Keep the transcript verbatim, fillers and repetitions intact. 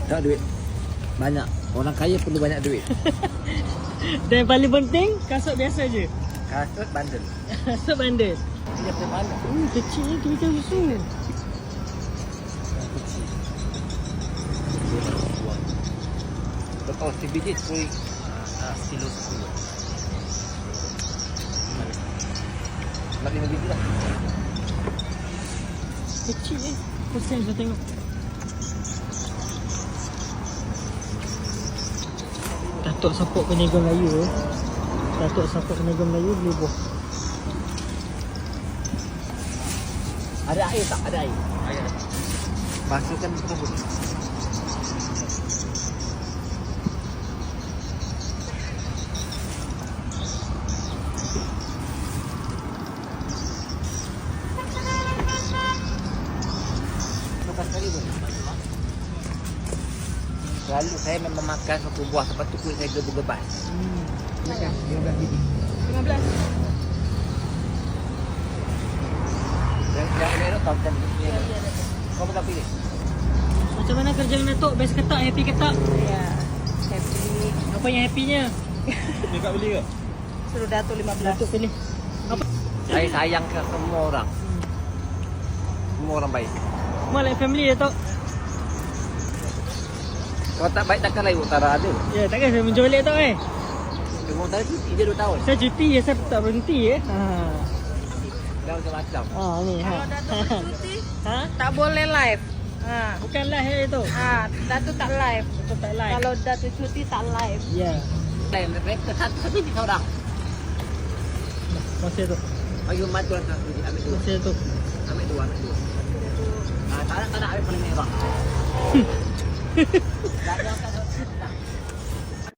Tak duit. Banyak. Orang kaya perlu banyak duit. Dan yang paling penting, kasut biasa je. Kasut bandel. Kasut bandel. Dia punya mana? Hmm, kecil ni kira susu. Kecil. Lepas sebiji sepuluh kilo sepuluh. Nak lima biji lah. Kecil ni. Pusing saya tengok. Datuk Sapok Peniaga Melayu eh. Datuk Sapok Peniaga Melayu beli buah. Ada air tak? Ada air. Air. Masukkan kabut. Lepas kali pun. Lalu saya memang makan satu buah, lepas tu kulit saya gebur-gebas. Hmm. Makan lima belas biji. lima belas. Yang yang elok tahu kan. Kau pun tak pilih. Macam mana kerja dengan Datuk? Best ke tak? Happy ke tak? Ya, happy. Apa yang happynya? Dia kat beli ke? Suruh Datuk lima belas. Datuk pilih. Apa? Saya sayang ke semua orang. Semua orang baik. Semua like family Datuk. Kalau tak baik takkan lain utara ada. Ya, takkan saya menjolek Datuk eh. Cuma utara cuti dia dua tahun. Saya cuti ya, saya tak berhenti eh. Ha. Dah macam-macam. Ah ni ha. Kalau Datuk bercuti, Ha? tak boleh live. Ha. Bukan live eh Datuk. Ha, Datuk tak live. Datuk tak live. Kalau Datuk cuti tak live. Ya. Lain mereka satu tapi di seorang. Masih Datuk. Bagi matu lah satu ambil dua. Masih Datuk. Ambil dua, ambil dua. Ah, tak nak tak nak ambil paling merah.